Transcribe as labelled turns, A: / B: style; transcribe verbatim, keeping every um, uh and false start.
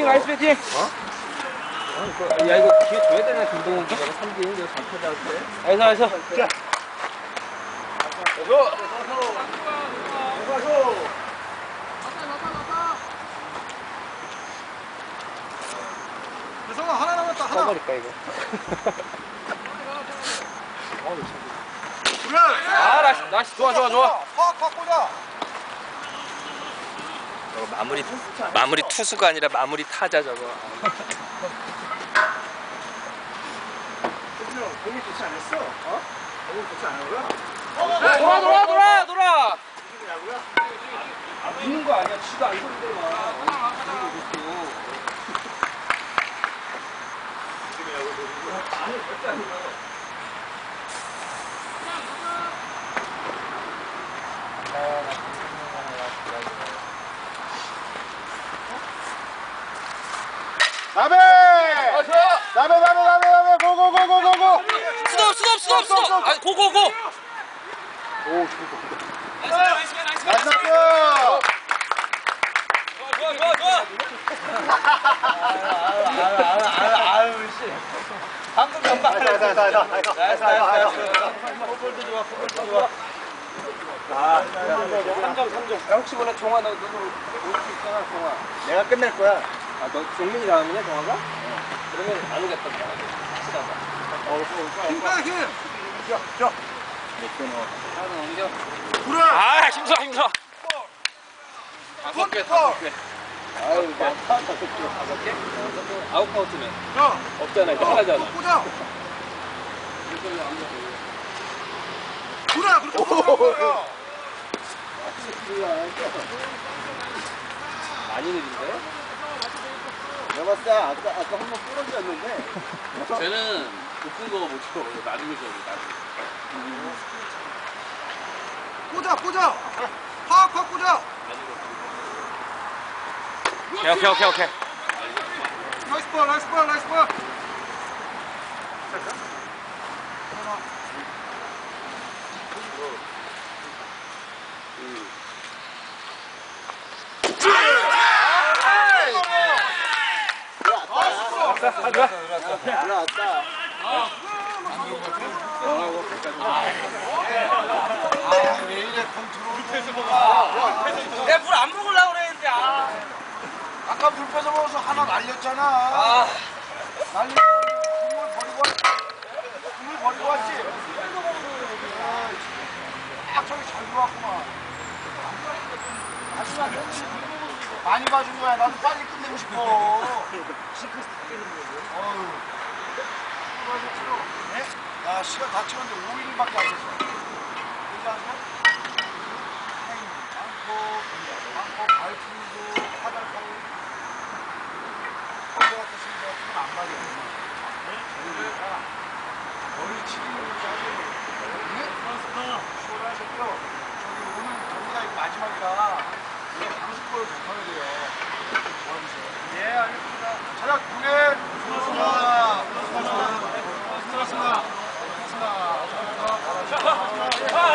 A: 배팅, 나이스 배팅.
B: 어?
A: 야, 이거 기회 줘야 되나, 김동훈? 내가 삼 개 이거 잘 타자 할 때. 나이스, 나이스. 자.
B: 고!
C: 대성아 하나 남았다 하나.
A: 써버릴까 이거?
C: 그래.
A: 아, 나이스, 나이스. 좋아, 좋아, 좋아.
C: 확 확 꽂아.
B: 저거 마무리 마무리 투수가 아니라 마무리 타자 저거.
C: 공이 좋지 않았어? 어? 공이 좋지 않은
A: 돌아, 돌아, 돌아, 돌아.
C: 야구야?
A: 아, 믿는 거 아니야. 지도 안 소리대만.
C: 나베!
A: 아, 좋아.
C: 나베 나베 나베 나베 고고고고고고!
B: 스톱 스톱 스톱 스톱. 아 고고고.
C: 오 좋다.
B: 나이스 나이스
C: 나이스!
B: 좋아 좋아 좋아.
A: 아유, 씨. 방금 전방.
C: 나이스 나이스 나이스 나이스
A: 나이스, 나이스. 포볼도 좋아, 포볼도 좋아. 아, 삼 점, 삼 점. 야, 혹시 몰라, 종아, 너, 너도 올 수 있잖아, 종아.
C: 내가 끝낼 거야.
A: 아, 너 종민이 다음이냐, 종아가? 어. 그러면 안 오겠다, 확실하다.
C: 힘빼 힘! 저, 저.
A: 하나 넘겨.
C: 불어!
B: 아 힘들어 힘들어.
A: 다섯 개,
C: futbol.
A: 다섯 개. 아유, 많다, 다섯 개. 다섯 개? 아웃 카운트면.
C: 야!
A: 없잖아, 이거 하나잖아.
C: 꽂아! 불어! 그렇게 꽂아!
A: 많이 느린데?
C: 내가 봤을 때 아까, 아까 한 번 부러졌는데.
A: 쟤는 높은 거 못 쳐. 나중에 줘, 나중에.
C: 꽂아, 꽂아! 확, 확 꽂아!
B: 오케이 오케이 오케이 오케이.
C: 나이스 볼, 나이스 볼, 나이스 볼!
A: 올라왔다.
C: 왜 이래, 공 들어오는 거
B: 내가 물 안 먹으려고 그랬는데 아.
C: 아까 물 뺏어 먹어서 하나 날렸잖아.
B: 아.
C: 날리고 국물 버리고 왔지. 국물 버리고 왔지. 아, 저기 잘 들어왔구만. 마지막 현실 많이 봐준 거야. 나도 빨리 끝내고 싶어. 어휴. 야, 시간 다 찍었는데 오 일밖에 안 됐어. 괜찮으세요? 많고, 많고, 발품도 화장하고. 어제 같은 친구 같은 건안 맞아. 그러니까 머리 치기는 사실 시원하셨죠? 저기 오늘 경기가 이거 마지막이라 우리 방송 거를 접하면 돼요. 도와주세요. 예, 알겠습니다. 차렷 군에 수고하셨습니다. 수고하셨습니다. 수고하셨습니다. 수고하셨습니다.